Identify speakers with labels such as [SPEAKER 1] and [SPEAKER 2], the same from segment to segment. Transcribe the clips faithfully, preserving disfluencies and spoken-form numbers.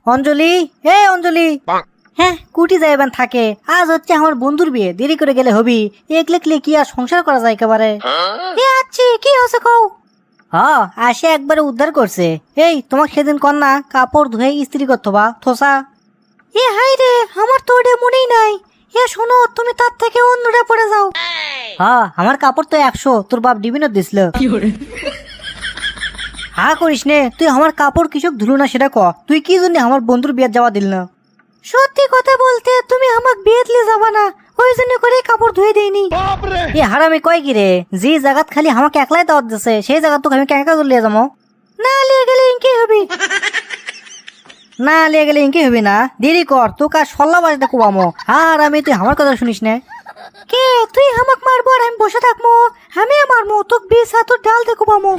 [SPEAKER 1] অঞ্জলি, এ অঞ্জলি। হ্যাঁ, কুটি যাইবেন থাকে। আজ হচ্ছে আমার বন্ধুর বিয়ে, দেরি করে গেলে হবি। একলেকলে কি আর সংসার করা যায় একেবারে। এ আচ্ছি, কি হয়েছে কও? হ্যাঁ, আসে একবারে উদ্ধার করছে। এই তোমাকে সেদিন কন্যা কাপড় ধুয়ে ইস্ত্রি করতো বা থোসা। এ হাই রে, আমার তো ওটা মনেই নাই। এ শোনো, তুমি তার থেকে অন্যটা পড়ে যাও। হ্যাঁ, আমার কাপড় তো একশো, তোর বাপ ডিবিনত দিছিল। হা করিস নে, তুই আমার কাপড় কিসব ধুলো না সেটা ক। তুই কি জন্য আমার বন্ধুর বিয়ে যাওয়া দিল না? সত্যি কথা বলতে তুমি আমাকে বিয়ে দিলে যাবা না, ওই জন্য করে কাপড় ধুয়ে দেইনি। এ হারামি কয় কি রে, যে জায়গাত খালি আমাকে একলাই দাওয়াত দিছে সেই জায়গা তোকে আমি কেঁকা করে লিয়ে যাবো? না লিয়ে গেলে ইনকি হবি। না লিয়ে গেলে ইনকি হবি না, দেরি কর, তোকে আর সল্লা বাজতে কুবামো। আর আমি তুই আমার কথা শুনিস না। কে তুই আমাকে মারবো আর আমি বসে থাকবো? আমি মারবো তোকে বিষ হাত ডাল দেখো পামো।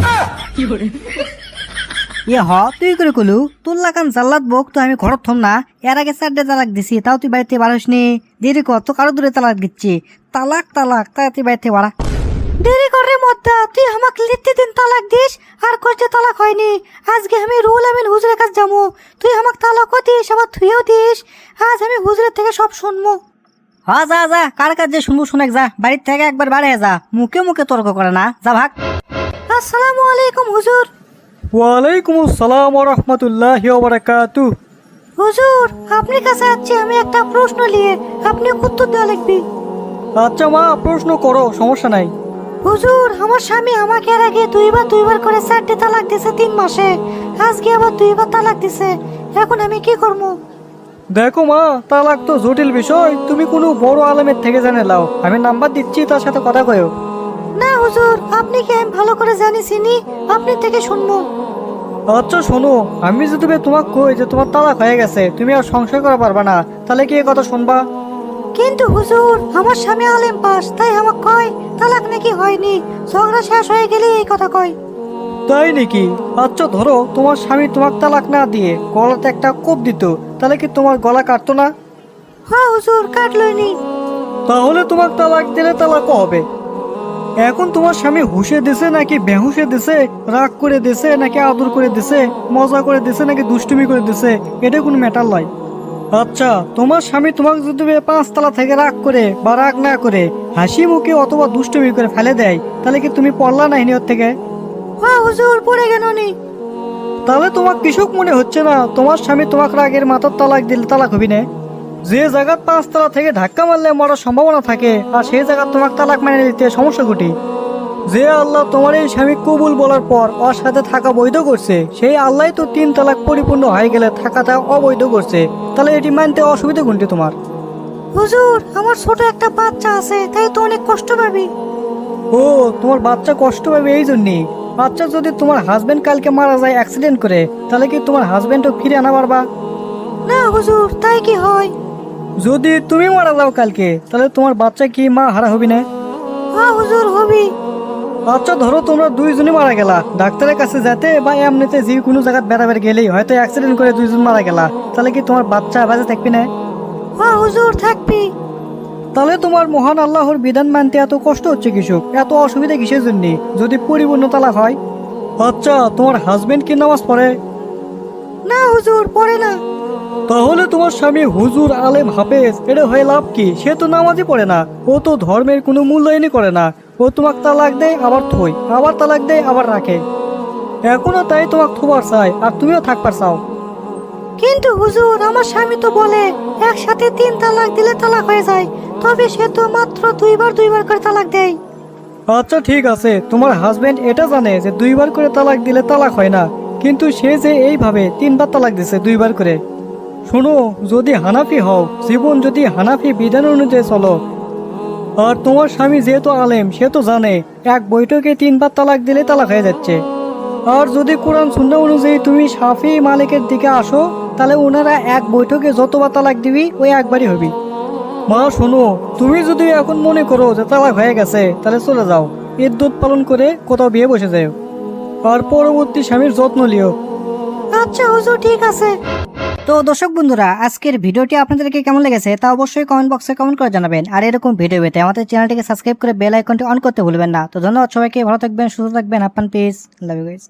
[SPEAKER 1] ইয়ে হ, তুই করে কলু তোর লাগান জাল্লাত বক তো আমি ঘরত থম না। এর আগে চারটে তালাক দিছি, তাও তুই বাড়িতে বাড়িস নি। দেরি কর, তো কারো দূরে তালাক দিচ্ছি। তালাক তালাক তাই তুই বাড়িতে বাড়া। দেরি করে মদ্দা, তুই আমাকে লিখতে দিন তালাক দিস আর কষ্টে তালাক হয়নি। আজকে আমি রুল আমিন হুজুরের কাছে যাবো। তুই আমাকে তালাকও দিস আবার থুয়েও দিস। আজ আমি হুজুরের থেকে সব শুনবো। হ্যাঁ যা যা, কার কাছে শুনবো শুনেক যা, বাড়ির থেকে একবার বাড়ে যা, মুখে মুখে তর্ক করে না, যা ভাগ। আসসালামু আলাইকুম হুজুর।
[SPEAKER 2] ওয়ালাইকুম আসসালাম ওয়া রাহমাতুল্লাহি ওয়া বারাকাতুহু।
[SPEAKER 1] হুজুর, আপনি কাছে আছি আমি একটা প্রশ্ন নিয়ে, আপনি উত্তর দেওয়া লিখবি।
[SPEAKER 2] আচ্ছা মা, প্রশ্ন করো, সমস্যা নাই।
[SPEAKER 1] হুজুর, আমার স্বামী আমাকে এর আগে দুইবার দুইবার করে চারটে তালাক দিছে তিন মাসে। আজকে আবার দুইবার তালাক দিছে, এখন আমি কি করব?
[SPEAKER 2] দেখো মা, তালাক তো জটিল বিষয়, তুমি কোনো বড় আলেমের থেকে জেনে লাও। আমি নাম্বার দিচ্ছি, তার সাথে কথা কয়ো।
[SPEAKER 1] না হুজুর, আপনি কি আমি ভালো করে জানি চিনি, আপনি থেকে শুনবো।
[SPEAKER 2] আচ্ছা শোনো, আমি যদি তোমাকে কই যে তোমার তালাক হয়ে গেছে, তুমি আর সংশয় করা পারবা না, তাহলে কি এই কথা শুনবা?
[SPEAKER 1] কিন্তু হুজুর, আমার স্বামী আলেম পাস, তাই আমাকে কয় তালাক নাকি হয়নি, ঝগড়া শেষ হয়ে গেলে এই কথা কয়।
[SPEAKER 2] তাই নাকি? আচ্ছা ধরো তোমার স্বামী তোমাকে তালাক না দিয়ে গলাতে একটা কোপ দিত, তাহলে কি তোমার গলা কাটতো না?
[SPEAKER 1] হ্যাঁ হুজুর, কাটলইনি।
[SPEAKER 2] তাহলে তোমাকে তালাক দিলে তালাকও হবে। এখন তোমার স্বামী হুশে দিছে নাকি বেহুশে দিছে, রাগ করে দিছে নাকি আদর করে দিছে, মজা করে দিছে নাকি দুষ্টুমি করে দিছে, এটা কোনো ম্যাটার নয়। আচ্ছা, তোমার স্বামী তোমাকে যদি পাঁচতলা থেকে রাগ করে বা রাগ না করে হাসি মুখে অথবা দুষ্টুমি করে ফেলে দেয়, তাহলে কি তুমি পড়লা না হিনিয়র থেকে?
[SPEAKER 1] হ্যাঁ হুজুর, পড়ে গেল নি।
[SPEAKER 2] তাহলে তোমার কৃষক মনে হচ্ছে না তোমার স্বামী তোমাকে রাগের মাথার তালাক দিলে তালাক হবি না? যে জায়গার পাঁচতলা থেকে ধাক্কা মারলে মরার সম্ভাবনা থাকে, আর সেই জায়গা তোমাকে তালাক মেনে নিতে সমস্যা ঘটি। যে আল্লাহ তোমার এই স্বামী কবুল বলার পর ওর সাথে থাকা বৈধ করছে, সেই আল্লাহ তো তিন তালাক পরিপূর্ণ হয়ে গেলে থাকাটা অবৈধ করছে, তাহলে এটি মানতে অসুবিধা কোনটি তোমার?
[SPEAKER 1] হুজুর, আমার ছোট একটা বাচ্চা আছে, তাই তো অনেক কষ্ট পাবি।
[SPEAKER 2] ও, তোমার বাচ্চা কষ্ট পাবে এই জন্যই। আচ্ছা, যদি তোমার হাজবেন্ড কালকে মারা যায় অ্যাক্সিডেন্ট করে, তাহলে কি তোমার হাজবেন্ডও ফিরে আনা পারবা?
[SPEAKER 1] না হুজুর, তাই কি হয়?
[SPEAKER 2] যদি তুমি মারা যাও কালকে, তাহলে তোমার বাচ্চা কি মা হারা হবি না?
[SPEAKER 1] হ্যাঁ হুজুর, হবি।
[SPEAKER 2] আচ্ছা ধরো তোমরা দুইজনই মারা গেলা, ডাক্তারের কাছে যেতে বা এমনিতে যে কোনো জায়গায় বেড়াবের গেলেই হয়তো অ্যাক্সিডেন্ট করে দুইজন মারা গেলা, তাহলে কি তোমার বাচ্চা বেঁচে থাকবি না?
[SPEAKER 1] হ্যাঁ হুজুর, থাকবি।
[SPEAKER 2] তাহলে তোমার মহান আল্লাহর বিধান মানতে এত কষ্ট হচ্ছে কৃষক, এত অসুবিধা কিসের জন্য যদি পরিপূর্ণ তালাক হয়? আচ্ছা, তোমার হাজবেন্ড কি নামাজ পড়ে?
[SPEAKER 1] না হুজুর, পড়ে না।
[SPEAKER 2] তাহলে তোমার স্বামী হুজুর আলেম হাফেজ, এটা হয়ে লাভ কি? সে তো নামাজই পড়ে না, ও তো ধর্মের কোনো মূল্যায়নই করে না। ও তোমাকে তালাক দেয় আবার থই, আবার তালাক দেয় আবার রাখে। এখনো তাই তোমাকে থোবার চাই আর তুমিও থাকবার চাও।
[SPEAKER 1] কিন্তু হুজুর, আমার স্বামী তো বলে একসাথে তিন তালাক দিলে তালাক হয়ে যায়, তবে সে তো মাত্র দুইবার দুইবার করে তালাক দেয়।
[SPEAKER 2] আচ্ছা ঠিক আছে, তোমার হাজবেন্ড এটা জানে যে দুইবার করে তালাক দিলে তালাক হয় না, কিন্তু সে যে এইভাবে তিনবার তালাক দিছে দুইবার করে। শোনো, যদি হানাফি হও, জীবন যদি হানাফি বিধান অনুযায়ী চলো, আর তোমার স্বামী যেহেতু আলেম সে তো জানে এক বৈঠকে তিনবার তালাক দিলে তালাক হয়ে যাচ্ছে। আর যদি কোরআন সুন্নাহ অনুযায়ী তুমি শাফি মালিকের দিকে আসো, তাহলে ওনারা এক বৈঠকে যতবার তালাক দিবি ওই একবারই হবি। মা শোনো, তুমি যদি এখন মনে করো যে তালাক হয়ে গেছে, তাহলে চলে যাও, ইদ্যুৎ পালন করে কোথাও বিয়ে বসে যাও, আর পরবর্তী স্বামীর যত্ন লিও।
[SPEAKER 1] আচ্ছা হুজুর, ঠিক আছে। তো দর্শক বন্ধুরা, আজকের ভিডিওটি আপনাদেরকে কেমন লেগেছে তা অবশ্যই কমেন্ট বক্সে কমেন্ট করে জানাবেন। আর এরকম ভিডিও পেতে আমাদের চ্যানেলটিকে সাবস্ক্রাইব করে বেল আইকনটি অন করতে ভুলবেন না। তো ধন্যবাদ সবাইকে, ভালো থাকবেন, সুস্থ থাকবেন, আপনার পিস, লাভ ইউ গাইস।